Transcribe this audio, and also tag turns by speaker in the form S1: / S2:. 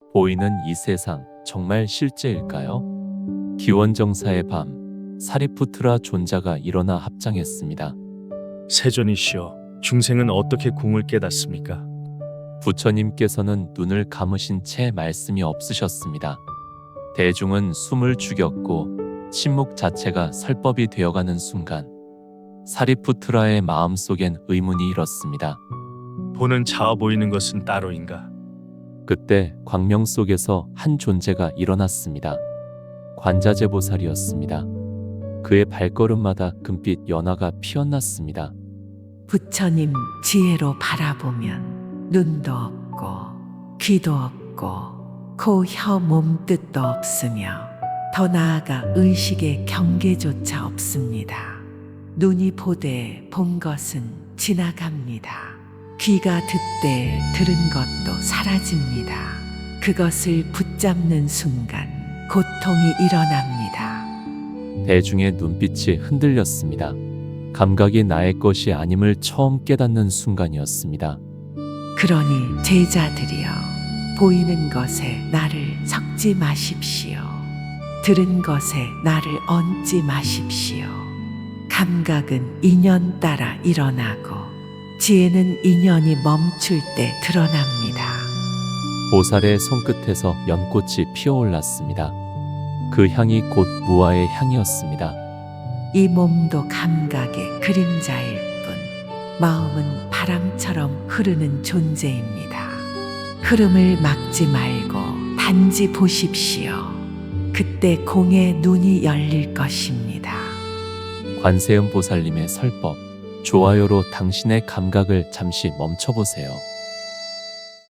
S1: 보이는 이 세상 정말 실제일까요? 기원정사의 밤, 사리푸트라 존자가 일어나 합장했습니다.
S2: 세존이시여, 중생은 어떻게 궁을 깨닫습니까?
S1: 부처님께서는 눈을 감으신 채 말씀이 없으셨습니다. 대중은 숨을 죽였고 침묵 자체가 설법이 되어가는 순간 사리푸트라의 마음속엔 의문이 일었습니다.
S2: 보는 자아 보이는 것은 따로인가?
S1: 그때 광명 속에서 한 존재가 일어났습니다. 관자재보살이었습니다. 그의 발걸음마다 금빛 연화가 피어났습니다.
S3: 부처님 지혜로 바라보면 눈도 없고 귀도 없고 코, 혀, 몸 뜻도 없으며 더 나아가 의식의 경계조차 없습니다. 눈이 보되 본 것은 지나갑니다. 귀가 듣되 들은 것도 사라집니다. 그것을 붙잡는 순간 고통이 일어납니다.
S1: 대중의 눈빛이 흔들렸습니다. 감각이 나의 것이 아님을 처음 깨닫는 순간이었습니다.
S3: 그러니 제자들이여, 보이는 것에 나를 섞지 마십시오. 들은 것에 나를 얹지 마십시오. 감각은 인연 따라 일어나고 지혜는 인연이 멈출 때 드러납니다.
S1: 보살의 손끝에서 연꽃이 피어올랐습니다. 그 향이 곧 무아의 향이었습니다.
S3: 이 몸도 감각의 그림자일 뿐 마음은 바람처럼 흐르는 존재입니다. 흐름을 막지 말고 단지 보십시오. 그때 공의 눈이 열릴 것입니다.
S1: 관세음 보살님의 설법, 좋아요로 당신의 감각을 잠시 멈춰보세요.